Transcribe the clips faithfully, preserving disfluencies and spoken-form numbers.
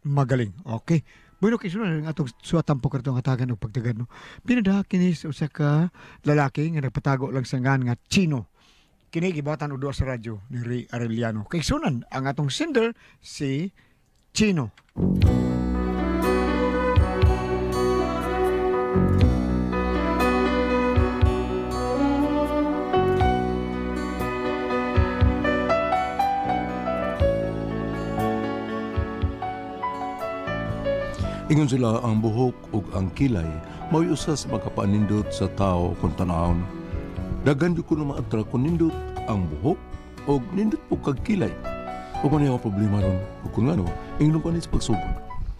Magaling. Okay. Bueno, kay sunod ang atong suwatan po kartong hatagan og pagtagan no. Pinadaha kini sa usa ka lalaki nga nagpatago lang sa ngan nga Chino. Kini gibatan og duha sa radyo ni Ray Arellano. Kay sunan ang atong sender si Chino. Ingon sila ang buhok ug ang kilay mao'y usa sa makapanindot sa tao kung tanawon. Daghan jud ko na ma-attract kung nindot ang buhok ug nindot po kag kilay. Ug ano yung problema ron? Ug kung ano, ingnon pa ni sa pagsugod.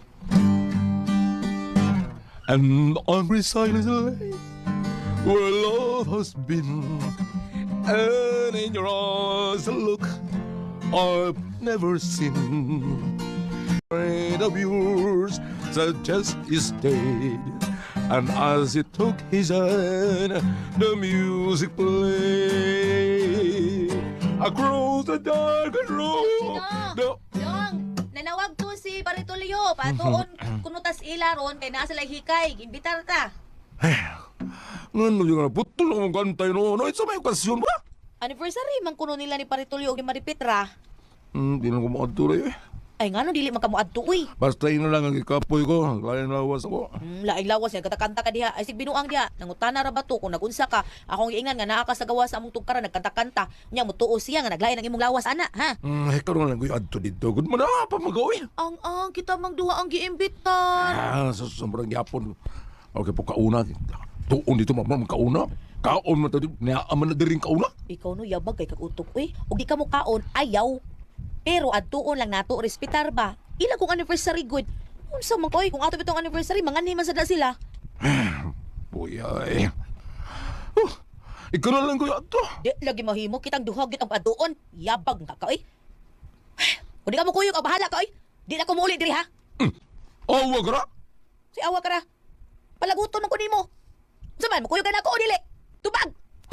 And on silence lane where love has been, and in your eyes a look I've never seen. Friend of yours suggest you stayed, and as he took his hand, the music played across the dark road. The... Dong, nanawag to si Paritolio. Patuon kunutas ilaron kay naa sila hikay. Imbitar ta. Ngano yung nga putol ang kantay no? Ano ito may okasyon ba? Anniversary man kuno nila ni Paritolio ug ni Maripetra. Hmm, di na ko makatuloy eh. Ay ngano dili man kamo adto uy. Basta yun na lang ang ikapoy ko, kaya lawas ako. Hmm, laing lawas niya katakanta ka diha. Ay sig binuang diha. Nangutana ra ba to kung nagunsa ka? Akong giingan nga naa ka sa gawa sa among tugkaran nagkanta-kanta. Nya mo tuo siya nga naglain ang imong lawas ana, ha? Hmm, ay karon lang ko yung adto dito. Good man na, pa magawin. Ang ang kita mang duha ang giimbitar. Ah, sa sobrang yapon. Okay po, kauna. Tuon dito, mamang kauna. Kaon mo tayo, niyaaman na din kauna. Ikaw no yabag kay kagutok uy. Ug di ka mo kaon ayaw. Pero adtuon lang nato respetar ba? Ila kung anniversary good. Unsa man koy kung ato bitong anniversary mangani man sada sila. Buyay. Oh, ikaw na lang ko yung adto. Di lagi mahimo kitang duha gid ang adtuon. Yabag ka ka oy. Kung di ka mo kuyog ang bahala ka oy. Di na ko muli diri ha. Mm. Oh, wag ra. Si awa ka ra. Palaguton man ko nimo. Unsa man mo kuyog ka na ko o dili? Tubag.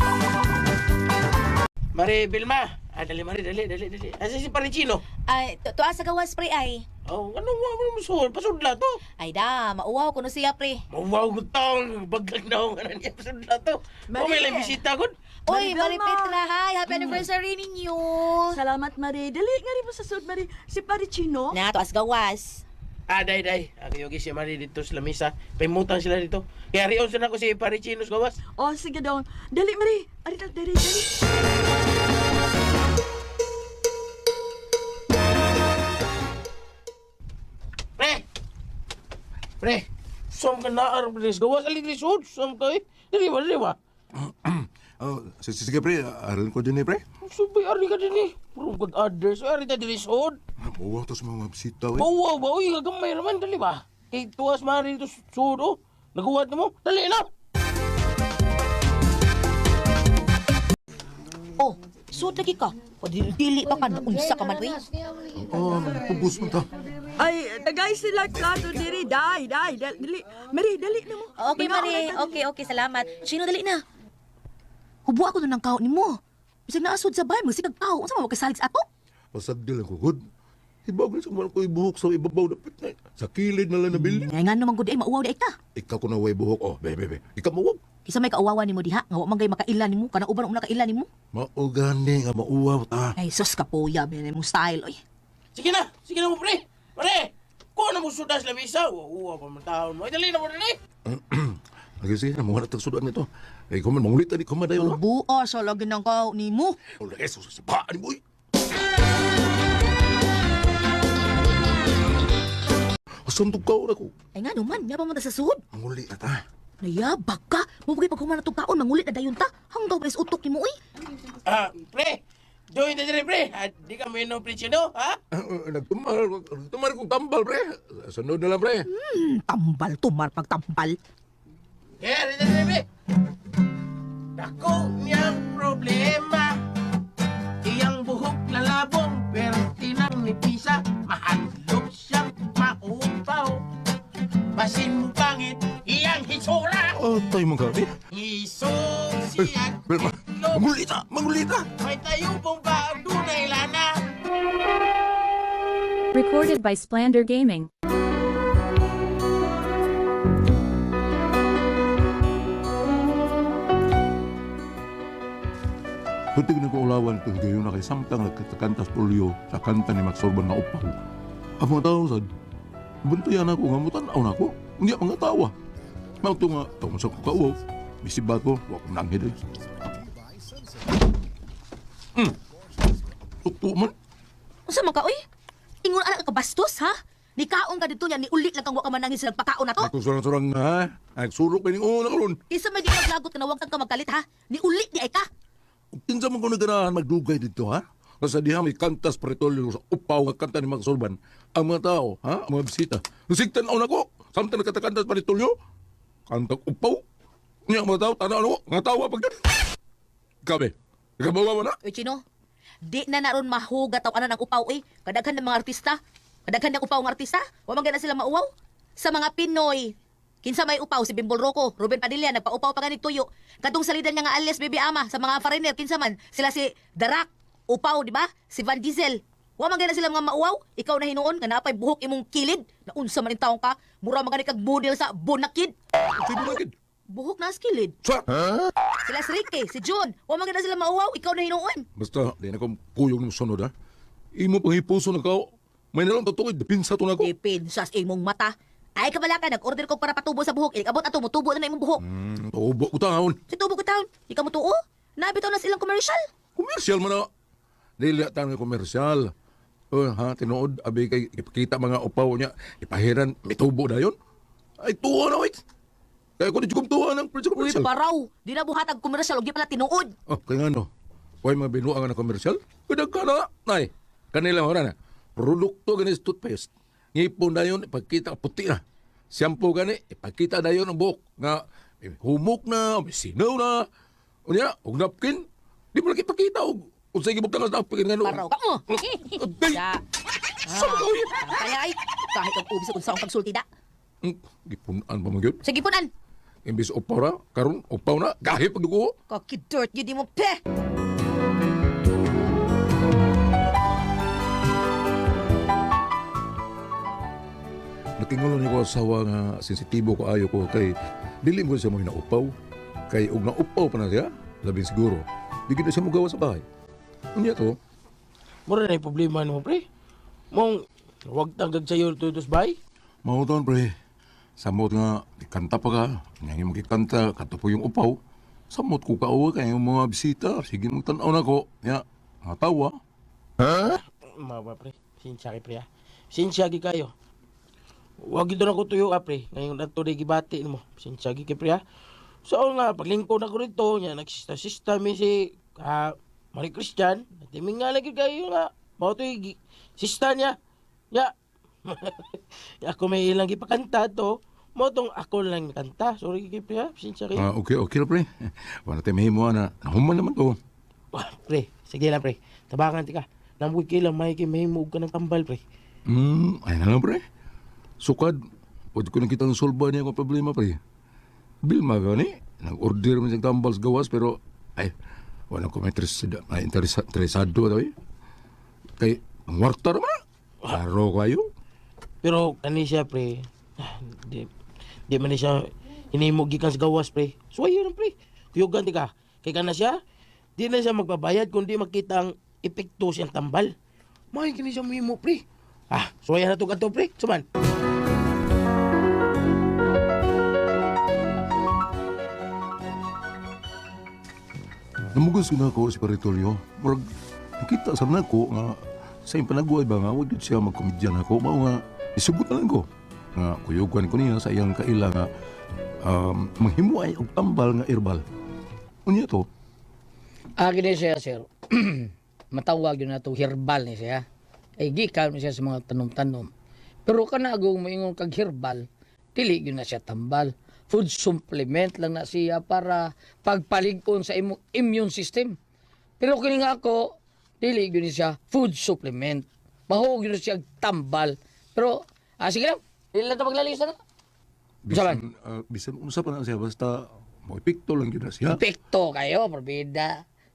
Mari Bilma. Ah, dali, Mari, dali, dali, dali. Asa si Parichino? Ay, to tuwa sa gawas pre ay. Oh, ano nga mo musul? Pasudla to. Ay da, mauwaw ko no siya pre. Mawaw ko taong baglag na ako nga niya pasudla to. O may lang bisita ko. Oy, Mari Belma. Maripetra, hi. Happy anniversary ninyo. Salamat, Mari. Dali nga rin mo sa sud, Mari. Si Parichino. Na, tuas gawas. Ah, day, day. Ako yung si Mari dito sa lamisa. Paimutan sila dito. Kaya riyon sila ko si Parichino sa gawas. O, sige daw. Dali, Mari. Ari, dali, dali, dali. Pre! Pre! Som ka na, Arbres. Gawas alin lisod. Som ka eh. Dali ba, dali ba? Oh, sige, sige pre, aral ko din eh pre. Sabay, ari ka din eh. Puro good others. Ari ta din lisod. Mawaw to sa mga bisita eh. Bawa ba? Uy, gagamay naman. Dali ba? Kay tuwas Mari dito sud. Oh. Naguwat na mo. Dali na! Oh, sud lagi ka. O dili pa ka na unsa ka man uy. Oh, pubus mo ta. Ay, tagay sila plato diri. Dai, dai, dali. Mari, dali na mo. Okay, Binaon Mari. na ta Okay, okay, salamat. Sino dali na? Hubo ako nun ng kao ni mo. Bisag naasod sa bahay, magsigag tao. Unsa mo makasalig sa ato? Pasagdil ako, good. Ibag na sa mga ko buhok sa ibabaw na pitna. Sa kilid na lang na bilin. Ngay nga naman gud ay mauwaw di ay ta. Ikaw ko na way buhok. Oh, bebe, bebe. Ikaw mawag. Kisa may kauwawa nimo diha, nga wa man gay makailan nimo, kana uban ang nakailan nimo. Maugani nga mauwaw ta. Ay sus ka po ya, ben mong style oy. Sige na! Sige na mo, pre! Pre! Kung ano mo sudas na misa, uwa pa man taon mo. Ay, dali na mo, dali! Lagi sige, namuha na tagsudan nito. Eh, kuman, mangulit na di kumadayo na. Ubo sa lagi ng kao nimo. Oh, eso, sa paan ni boy. Asam to ka ko. Ay nga naman, nga pa man ta sa sud. Manguli na ta. Nayabag ka. Mubugay pag humana tong kaon, mangulit na dayon ta. Hanggaw pa is utok nimo oy. Ah, pre! Join na dali, pre! Ah, di ka mo yun ng presyo, no? Ha? Uh, uh, nagtumar, nagtumar kong tambal, pre. Sunod na lang, pre. Hmm, tambal tumar pagtambal. Kaya, dali, dali, pre! Dako niyang problema. Iyang buhok lalabong, pero tinang ni Pisa. Mahandlok siyang maupaw. Basin mo pangit, iyang hisura. Oh, tayo magabi. Isog Eh, siya. Belma, mangulita, mangulita. May tayo pong ba dunay lana. Recording Recorded by Splander Gaming. Kunting nag-uulawan ko higayon na kay samtang nagkatakantas polio sa kanta ni Max Orban na upaw. Ang mga tao sad, buntuyan ako nga mutanaw na ako. Hindi ang mga tawa. Mauto nga, tawag sa kukauaw. Bisibat ko, huwag kong nanghid. Hmm. Tukto man. Unsa man ka oy? Ingon anak ka bastos ha? Ni kaon ka dito niya ni ulit lang kang wa ka manangin sa nagpakaon na to. Ako surang-surang na ha. Ay, sulok pa yung una karon. Kinsa may di maglagot ka na wag kang ka magkalit ha? Ni ulit di ay ka. Kinsa man ko naganahan magdugay dito ha. Kasi diha may kantas pretolyo sa upaw nga kanta ni Max Orban. Ang mga tao, ha? Ang mga bisita. Nasigtan ako na ko. Samtang nagkatakantas pretolyo. Kantang upaw. Nga mga tao, tanaw na ko. Nga tawa pag Kabe, nagabawa mo na? Uy, Chino, di na naron mahuga taw ana ng upaw eh. Kadaghan ng mga artista. Kadaghan ng upaw ng artista. Wa man gana sila mauwaw. Sa mga Pinoy, kinsa may upaw si Bimbol Rocco, Ruben Padilla nagpaupaw pa ganit tuyo. Kadtong salidan niya nga alias Baby Ama sa mga foreigner kinsa man sila si Darak, upaw di ba? Si Van Diesel. Wa man gana sila mga mauwaw. Ikaw na hinuon nga napay buhok imong kilid. Na unsa man in taong ka? Mura man gani kag model sa Bonakid. Sige mo nakid. Buhok na skilid. Sa? Sila si Ricky, si John. Wa man gana sila mauwaw. Ikaw na hinuon. Basta, di na kong kuyong ng sunod ha. Imo pang hipuso na kao. May nalang tatukoy, dipinsa to na ko. Dipin sa imong mata. Ay kabala ka, nag-order ko para patubo sa buhok. Ilikabot ato, mutubo na na imong buhok. Hmm, tubo ko taon. Si tubo ko taon. Ikaw mo tuo? Nabitaw na silang commercial. Komersyal mo na. Dili tayo ng komersyal. Oh, ha, tinuod, abi kay ipakita mga upaw niya, ipahiran, may tubo na yun. Ay, tuwa na, wait. Kaya ko di ko tuwa ng presyo Uy, komersyal. paraw. Di na buhatag commercial. Huwag di pala tinuod. Oh, kaya nga no. Huwag mga binuang na komersyal. Kadag ka na. Nay, kanila mo na na. Produkto gani sa toothpaste. Ngipon na yun, ipakita puti na. Shampoo gani, ipakita na yun ang buhok. Nga, eh, humok na, may sinaw na. O niya, og napkin. Di mo lang ipakita. Og, og sa igibog tangas napkin nga no. Paraw ka mo. Day! Ya. Saan ka yun? Kaya ay, kahit ang ubi sa kung saan pagsulti da. Hmm, gipunan pa magyod. Sige punan. Imbis upaw na, karon upaw na, gahi pagdugo. Kakidort yun di mo pe. Natingulo niyo ko asawa nga sensitibo ko ayo ko kay dili mo siya mo naupaw. Kay og naupaw pa na siya, labing siguro. Di gid na siya mugawa sa bahay. Unya to, Mura na yung problema mo, pre. Mong, huwag tanggag sa'yo tutos bay. mauton pre. Samot nga kanta pa ka, nga magkikanta kato po yung upaw. Samot ko kauwa kay yung mga bisita, sige mo tan-aw na ko. Ya, natawa. Mawa, pre. Sinsya kay pre, ha. Sinsya kay kayo. Huwag ito na ko tuyo, ha, pre. Ngayon na ito na gibati mo. Sinsya kay pre, ha. So, nga, paglingkod na ko rito, nga, nagsista-sista mi si, ah, Mari Christian. Natiming nga lagi kayo nga. Mao to yung gi- sista niya. Ya. Ako may ilang ipakanta to. Mao tong ako lang kanta. Sorry kay pre, ha. Sinsya kayo. Ah, okay, okay na pre. Wala tayo mahimo na. Nahuman naman to. Wah, pre, sige lang, pre. Tabangan ti ka. Namuwi kay lang, may kay mahimog ka ng tambal, pre. Hmm, ay na lang pre. Sukad, pwede ko nakita ng solba niya kung problema pre. Bilma gani, nag-order man siyang tambal sa gawas pero ay, wala ko may interesado, may interesa- interesado daw eh. Kay, ang warta naman. Klaro kayo. Pero kani siya, pre. ah, Di, di man ni siya hinimog gikan sa gawas, pre. Suwayo lang, pre. Kuyugan ti ka. Kay kana siya, di na siya magbabayad kundi makita ang epekto siyang tambal. May kini siya mahimo, pre. Ah, suwayan na to kadto, pre. Suman. Namugos ko na ako si Paritolyo. Murag, nakita sa na ko nga sa iyong panaguay ba nga, huwag yun siya magkomedyan ako. Mao nga, isugot na lang ko. Nga, kuyugan ko niya sa iyang kaila nga um, manghimuay og tambal nga herbal. Unya to, Ah, gini siya, sir. Matawag yun na to, herbal ni siya. Ay, gikan ni siya sa mga tanom-tanom. Pero kanagong moingon kag herbal, dili yun na siya tambal. Food supplement lang na siya para pagpalig-on sa imong immune system. Pero kini nga ako, dili yun siya food supplement. Mahog yun siya tambal. Pero, ah, sige lang, dili lang ito maglalisa na. Saban? bisan, uh, bisan unsa pa na siya, basta mo epekto lang yun na siya. Epekto kayo, probida.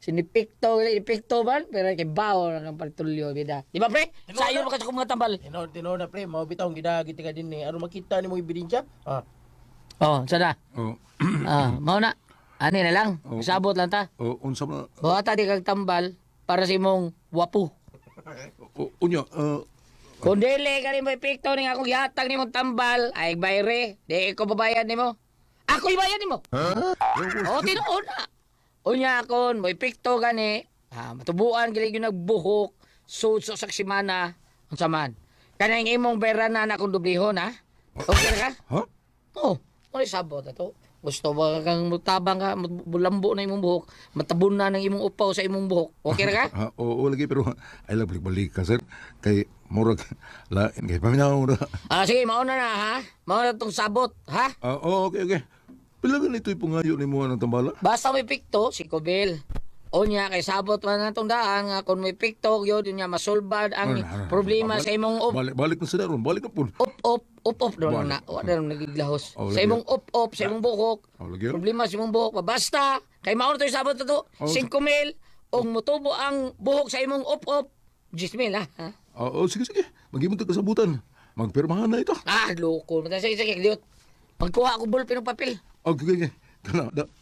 Sinipikto, ipikto man, pero kay bao na kang partulyo, bida. Di ba, pre? Sa iyo makasok mga tambal. Tinood, tinood na pre, mau bitaw gidagiti ka din eh. Aron makita nimo ebidensya. Ah. Oh, sada. Oh, Ah, mao na. Ani na lang. Oh. Sabot lang ta. oh, unsa man Buhata di kag tambal para sa imong wapo. oh, unya, uh, Kung dili ka rin mo ipikto ni akong gihatag ni mong tambal, ay bayre, di ko babayad ni mo. Ako ibayad ni mo. O, tinuod na. Unya akon, mo ipikto gani, ah, matubuan gili yung nagbuhok, sud sa saksimana, ang saman. Kanang imong bayra na na akong dublihon, ha? Okay ka? ha? Oo, oh, ano sabot na to? Gusto ba kang mutabang ka, bulambo na imong buhok, matabon na ng imong upaw sa imong buhok. Okay na ka? Ha, oo, lagi pero ay lang balik-balik ka sir. Kay murag lain kay paminaw na. Ah, sige, mauna na, ha? Mauna tong sabot, ha? Ah, oh, okay, okay. Pila gan ito'y pungayo ni mo ng tambala? Basta may pikto, si Kobel. O niya, kay sabot man na itong daan, nga kung may pikto, yun, yun niya, masolbad ang Ah, ah, problema balik- sa imong up, Balik balik na sa daron, balik na pun. up, up, up, up, doon Balik. na, wala na nagiglahos. Oh, Sa lagi. imong up, up, sa imong buhok, Oh, lagi. problema sa imong buhok, basta, kay mauna to yung sabot na to, Oh. singko mil, o mutubo ang buhok sa imong up, up, diyes mil, ha? ha? Ah, oh, sige sige. Magimong kasabutan. Magpirmahan na ito. Ah, loko, mata, sige, sige, liot. Magkuha ako ballpen ng papel. Okay, okay, okay. Kana, da.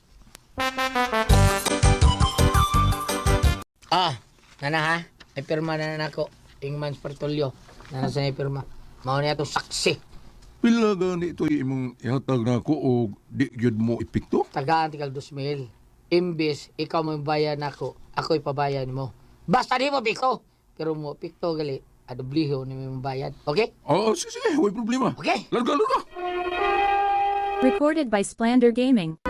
Ah, nana ha, ay pirma na na ako, Ingman's Partolyo, nana sa may pirma. Mao niya to saksi. Pila gani ito'y imong ihatag na ako o di gyud mo ipikto? Tagaan tikal dos mil. Imbis, ikaw mo bayan nako, ako ipabayan mo. Basta di mo piko, pero mo pikto gali, adobliho ni mo bayad. Okay? Oo, sige, sige. Huwag problema. Okay. Larga, larga. Recorded by Splander Gaming.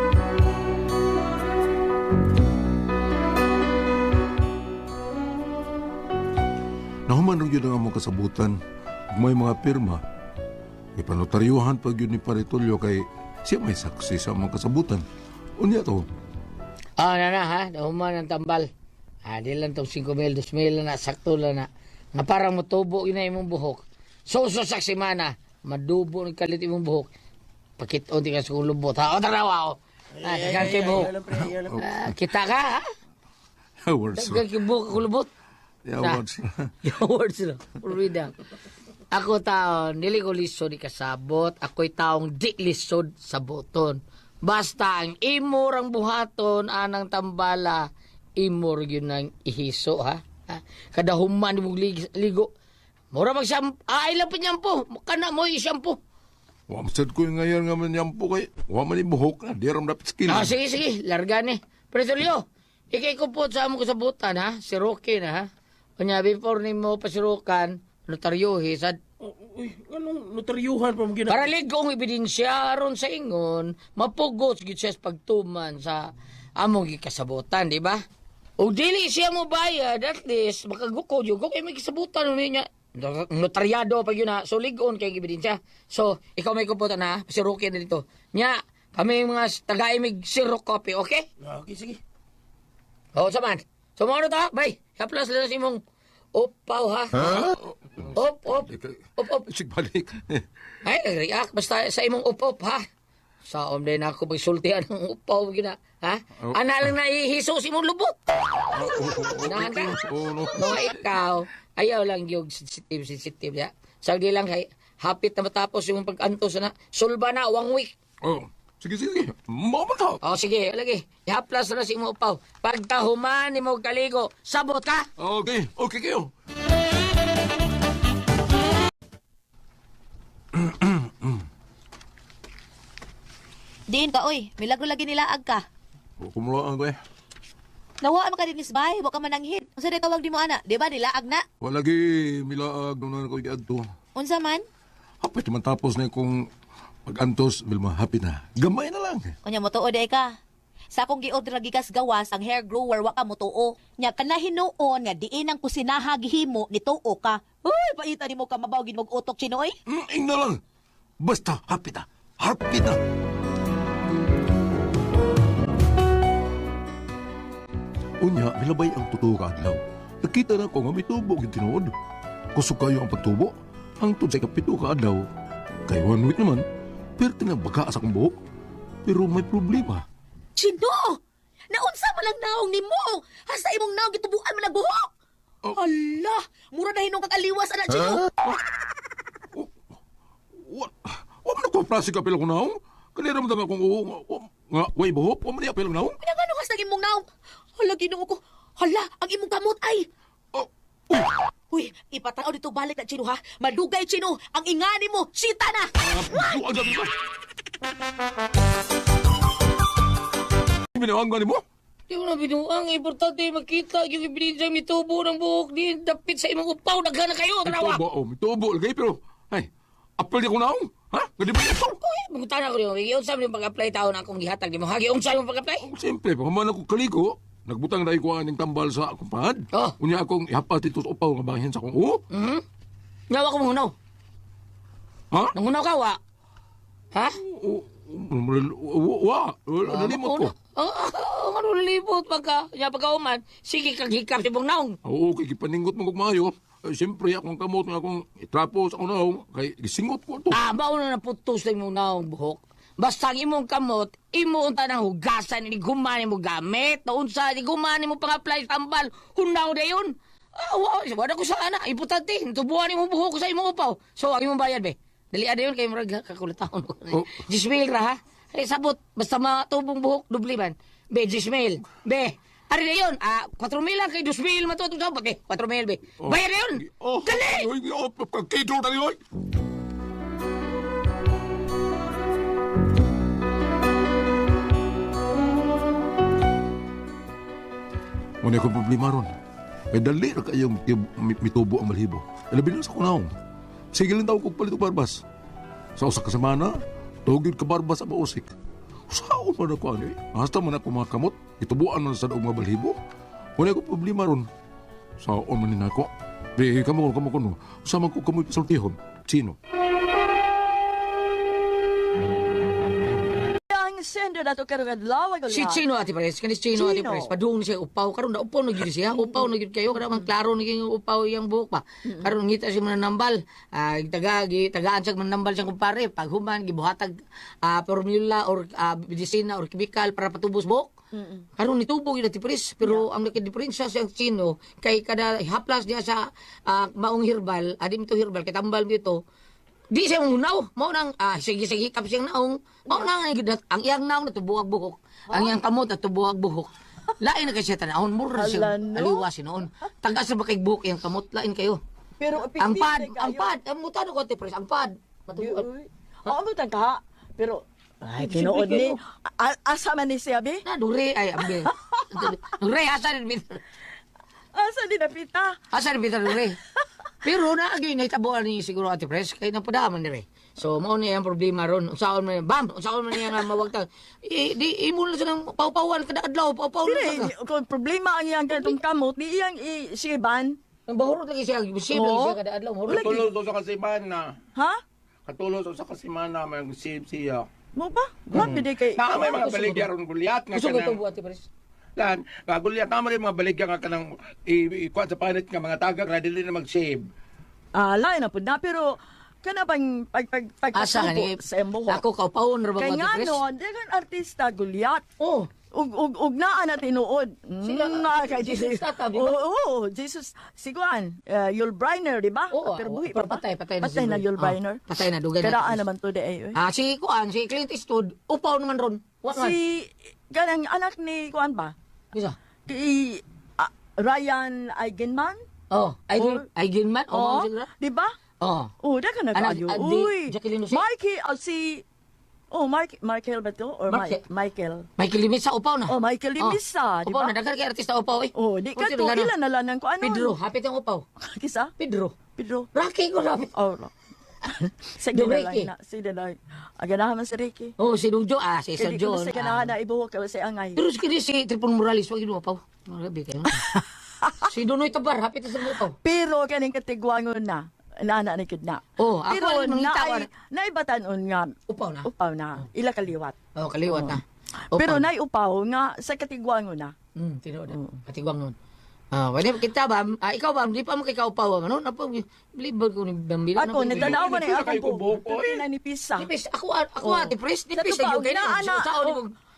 Nahuman rin yun ang among kasabutan. Ug may mga pirma. Ipanotaryuhan pag yun ni Paritolyo kay siya may saksi sa among kasabutan. Unya to. Ah, nana ha, nahuman ang tambal. Ah, di lang tong five mil, two mil na, sakto lang na. Nga parang matubo yun na imong buhok. So, so, saksi mana, madubo ng kalit imong buhok. Pakit-on di ka sa kong lubot. Ha, o tarawa o. Ah, dagan kay buhok. Alam pre, alam pre. Ah, kita ka ha? Awards. Dagan kay buhok ako lubot. Awards. Yung words na. Purwida. Ako taon, dili ko lisod ikasabot. Ako'y taong di lisod sa boton. Basta ang imurang buhaton, anang tambala, imur yun ang ihiso, ha? ha? Kada human mo lig- ligo. Mura mag shampoo. Ah, ilang pa nyampo. Kana mo i-shampoo. Wa masad ko yung ngayon nga man yampo kay. Wa man yung buhok na. Di ram dapat skill. Ah, sige, sige. Larga ni. Presolyo, ikay ko po sa among kasabutan, ha? Si Rocky na, ha? Kanya, before ni mo pasirukan, notaryohi, sad Oh, uy, anong notaryuhan pa mo gina? para ligong ebidensya aron sa ingon, mapugos gid siya sa pagtuman sa among gikasabutan, di ba? O dili siya mo bayad, at least makagukod yung kay may kisabutan niya. Notaryado pa yun na, so ligon kay ebidensya. So, ikaw may kuputan na, si Rocky na dito. Nya, kami mga taga-imig zero copy, okay? Ah, okay, sige. Oo, saman. So, mga ano ta? Bay, haplas lang sa imong upaw, ha? Op, op, op, op. Sige, balik. Ay, nag-react. Basta sa imong up-up, ha? Sa om din ako pagsultihan ng upaw, gina. Ha? Oh. Ana lang naihiso si mong lubot. Unahan ka. Oo, no. Mga ikaw, ayaw lang yung sensitive, sensitive, ya. Sagdi lang, hay, hapit na matapos yung pag-antos na. Sulba na, one week. Oh. Sige, sige. Mamata. O, sige, lagi. Ihaplas na si imong upaw. Pagkahuman ni mo kaligo, sabot ka. Okay. Okay kayo. Diin ka, oy. Milagro lagi nilaag ka. Kumulaan ko eh. Nawaan ka din isbay, wa ka mananghid. Unsa day tawag di mo ana? Di ba nilaag na? Walagi milaag nung ko iadto. Unsa man? Hapit man tapos na kung pag-antos, bilma hapit na. Gamay na lang. Kunya mo tuo day ka. Sa akong gi-order lagi kas gawas ang hair grower wa ka mo tuo. Nya kana hinuon nga diin ang kusinaha gihimo ni tuo ka. Uy, paita nimo ka mabaw gid mog utok chinoy. Mm, ing na lang. Basta hapit na. Hapit na. Unya, milabay ang totoo ka adlaw. Nakita na ko nga may tubo yung tinuod. Kusog kayo ang pagtubo. Ang tudsay kapito ka adlaw. Kay one week naman, pero tinabaga sa kong buhok. Pero may problema. Chino! Naunsa man lang naong nimo. Hasta imong naong gitubuan man nagbuhok. Oh. Hala, mura na hinong kag-aliwas anak Chino. Wa, wa man ako prasi ka pilang naong. Kanira mo dama kung oo nga, wa- nga, way buhok, wa man niya pilang naong. Pinagano kas nang imong naong? Hala, Ginoo ko. Hala, ang imong kamot ay. Oh, uy, Uy, ipatanaw dito balik na Chino ha. Madugay Chino, ang ingani mo, sita na. ah, duwa dyan ba? Binawang gani mo? Di mo na binuang, importante makita yung ebidensya mitubo ng buhok di dapit sa imong upaw, daghan na kayo, tanawa! Mitubo, oh, mitubo, lagay, pero, ay, apel di ko naong. Ha? Gadi ba ito? Uy, mangutan ako niyo, iyon sa mo pag-apply taon akong gihatag di mo, hagi unsa yung pag-apply? Siyempre, pagkaman ako kaligo, nagbutang na ko aning tambal sa akong pahad. Oh. Unya akong ihapat ito sa upaw nga banghin sa akong uho. Mhm. Nawa ko mangunaw. Ha? Nangunaw ka, wa? Ha? O- o- Wa, wala, nalimot ko. Oo, oh, ano nalipot pagka, ya pagka-uman, sige kang hikap si Bong Naong. Oo, kay kipaningot mo kog maayo. Eh, Siyempre, akong kamot nga akong itrapo sa akong naong, kay gisingot ko to. Ah, mauna na putos na imong naong buhok. Basta ang imong kamot, imo unta ng hugasan, ni gumani mo gamit, na unsa, ni gumani mo pang-apply tambal, hunaw na yun. Ah, wow, wala ko sa anak, importante, tubuhan imong buhok sa imong upaw. So, ang imong bayad, be. Dali ada yun, kayo marag kakulataon. Oh. Jismail ra, ha? Eh, sabot, basta matubong buhok, dubli man. Be, Jismail, be. Ari na yun, ah, four mil lang kay two mil matutong sabot, be. four mil, be. Bayad na yun! Oh, Dali! Oy, oh, kagkito na yun. Muna akong problema ron. May dali na kayong mitubo ang malhibo. Ilabi na sa kunaong. Sige lang tawag kong palit og barbas. Sa usa ka semana, tugid ka barbas ang mausik. Saan man ako ano eh? Hasta man ako mga kamot, itubuan man sa daog mga balhibo. Muna akong problema ron. Saan man nina ako? Di, kamo kamo kuno. Sama ko kamoy pasultihon. Sino? Ang sender na to karong adlaw ay Si Chino Ate Pres, kanis Chino Ate Chino. Pres, padung siya upaw, karon na upaw na gyud siya, upaw na gyud kayo, kada man klaro na yung upaw yang buhok pa. Karon ngita siya mananambal, ah taga gi tagaan siya mananambal siyang kumpare, pag human gibuhatag ah formula or ah, medisina or chemical para patubos buhok. Karon nitubo gyud Ate Pres, pero ang nakadiferensya sa Chino kay kada haplas niya sa ah, maong herbal, adi to herbal kay tambal dito. Di siya munaw, mao nang ah, sige sige kap siyang naong, mao nang ang gidat- ang iyang naong natubuhag buhok, ang iyang kamot natubuhag buhok. Lain na kasi siya tanahon, mura siya Hala, no? aliwas noon. Taga sa bakay buhok iyang kamot, lain kayo. Pero Ang pad, ang pad, ang mutano ko Ate Pres, ang pad. Matubuhag. Oo, mo ka. Pero ay tinuod ni A- asa man ni siya be? Na dure ay ambe. Dure asa rin bit. Asa di napita? Asa rin bit dure. Pero na agi nahitabuan ni siguro Ate Pres kay napadaman ni re. So mao ni ang problema ron. Unsaon man bam, unsaon man niya nga mawagtang. I, di imo na sa nang pawpawan kada adlaw, pawpaw na Dire, sa. kung problema ang iyang ganitong kamot, di iyang i-siban. Ang bahurot lagi siya, posible Oo. siya kada adlaw, mahurot. Lagi. Katulog sa kasimana. Ha? Katulog sa kasimana, may save siya. Mo ba? Grabe di kay... Na may mga baligya ron gulyat nga Gusto ko ito kanang buhat, Pres. lan, nga gulyat na may mga baligya nga kanang ikuan sa panit nga mga taga nga dili na mag-save. Ah, lain na po na, pero kana bang pag pag pag Asa ka ni? sa imo ho. Ako kaupawon ra ba Kay Ate nga Pres? no, dagan artista gulyat. Oh, Ug ug ug naa na tinuod. Sila- Mm, nga kay Jesus Jesus. tata, di ba? Oo, oo, Jesus siguan. Uh, Yul Brynner, di ba? oo. Pero buhi pero pa ba? patay, patay na. Patay na siguro. Yul Ah, Brynner. patay na, dugay na. Karaan naman to de ay. Ah, si Kuan, si Clint Eastwood, upaw naman ron. What man? Si ganang anak ni kuan ba? Isa. Kay ah, Ryan Eigenman? Oh, ay Or- ay man. Oh, Oo, siguro. di ba? Oh. Oh, dagan na Anak- kayo. ah, di- Uy. Jacqueline Jose? Mikey, oh, si Oh, Mark Michael ba to? Or Marke- Mi- Michael? Michael Limit sa upaw na. Oh, Michael Limisa, di Upaw ba? na, dagan kay artista upaw eh. Oh, di ka Kung to sino gano? ilan na lang ko ano? Pedro, hapit ang upaw. Kisa? Pedro. Pedro. Rocky ko hapit. Oh, no. Sige Do na Ricky. lang na. Sige na lang. Aganahan man si Ricky. Oh, si Dujo, ah, si Sir Kaya di ko John. sa ganahan na ibuhok ka sa angay. Pero si kini si Tripon Morales, wag inuupaw. Marabi kayo. Si Donoy Tabar, hapit na sa upaw. Pero kaning katigwangon na. Nana ni kidna. Oh, ako Pero ay mangita naay naibatanon nga Upaw na. upaw na. Ila kaliwat. Oh, kaliwat na. Pero nay upaw nga sa katigwangon na. Hmm, tinuod. Katigwang nun. Ah, wala kita ba? Ah, ikaw ba? Di pa mo kay kaupaw ano? Napa libre ko ni Bambila. Ako nagtanaw man ay Pila ako kayo po. kubuhok, oy. Pila ni pisa. Nipis, ako ako Oh. ate pres, Sa nipis tubaw, na yung kayo. inaana, Sa oh. mo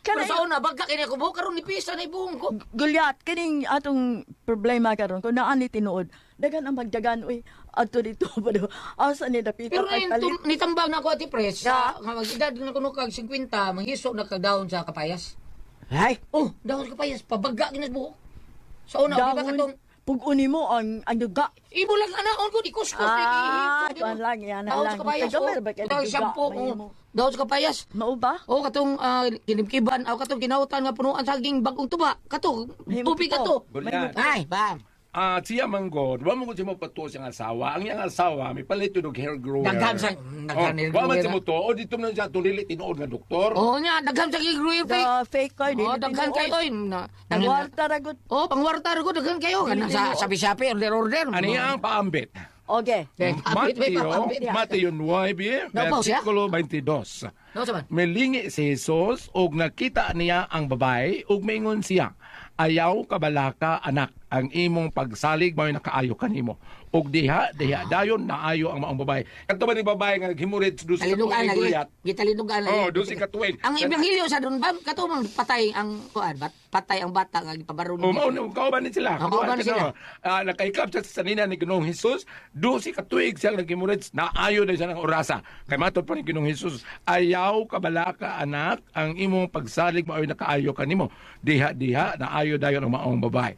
Pero Kana sa una, bagka kini ko buhok karon ni pisa na ibuhong ko. gulyat kining atong problema karon kun naa ni tinuod. Dagan ang magdagan uy adto dito pa do. Asa ni dapita Pero na kay yung palit. tum- nitambang na ako ati pres, sa nga mag-edad na kuno kag fifty, manghiso na kag daon sa kapayas. Ay, Oh, daon sa kapayas, pabagga kini sa buhok. Sa una, di ba katong pug-uni mo ang ang duga. ibo lang anaon ko, di kuskus, Ah, di tuan lang yan Daon lang. sa kapayas, Tagamay oh. ba kay Daon duga, shampoo, mahimo. oh. Daon sa kapayas. Mao ba? Oh, katong uh, kinibkiban, aw katong ginautan nga punuan sa saging bagong tuba. Kato, Mahimo tubig kito. kato. Gulyat. Ay, bam. Ah, siya manggod, wa mo ko siya mapatuwa siyang asawa. Ang iyang asawa, may palit yun og hair grower. Daghan sa Oh, daghan ni wa man siya mo to, o dito man siya tulili tinuod nga doktor. Oh, nya daghan sa gigruyer fake. The fake card Oh, daghan kayo oy. Na, Ang na- warta ragot. Oh, pangwarta ko daghan kayo kana sa sabi-sabi order order. Ano ang paambit? Okay. Eh, abit, may Mateo, papambit. Mateo nine, Napaw siya? versikulo twenty-two. No, saman. Melingi si Jesus ug nakita niya ang babae ug maingon siya, ayaw kabalaka anak, ang imong pagsalig mao'y nakaayo kanimo. Ug diha diha dayon naayo ang maong babae. Kadto ba ni babae nga naghimurid sa dusi Talinugan katuig lagi. guyat? Gitalinugan lagi. Oh, dusi katuig. Ang ebanghelyo sa doon ba kato man patay ang kuan, bat patay ang bata nga gipabaro O mao niya. na kauban ni sila. Oh, kauban ni sila. Ah, nakaikap siya sa sanina ni Ginoong Hesus, dusi katuig siya naghimurid, naayo na siya ng orasa. Kay matod pa ni Ginoong Hesus, ayaw kabalaka anak, ang imong pagsalig mao'y nakaayo kanimo. Diha diha naayo dayon ang maong babae.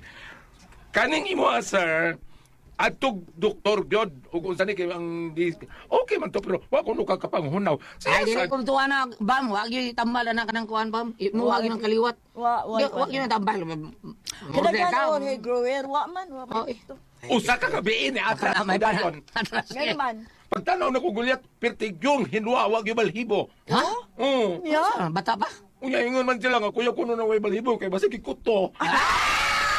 Kaning imo ah, sir, atog doktor gyud ug unsa ni kay ang di- okay man to pero wa ko no kakapanghunaw. Ay, dili Sa ko tuwa na bam, wa gyud tambal na kanang kuan bam. Mo wa gyud ng kaliwat. Wa wa. Di- Wa gyud ng tambal. Order Kada ka. ka hey grower wa man wa Oh, man. eh. usa ka gabi ni ata May dayon. Ngayon man. Pagtanaw na ko gulyat, pertigyong hinwa wag yung balhibo. Ha? Oo. Yeah. Ah, bata pa? Unya ingon man sila nga kuya kuno na way balhibo kay basta kikuto.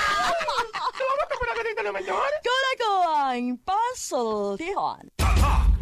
Salamat ako na kanita naman yun. Kala ko ang puzzle tihon. Tatak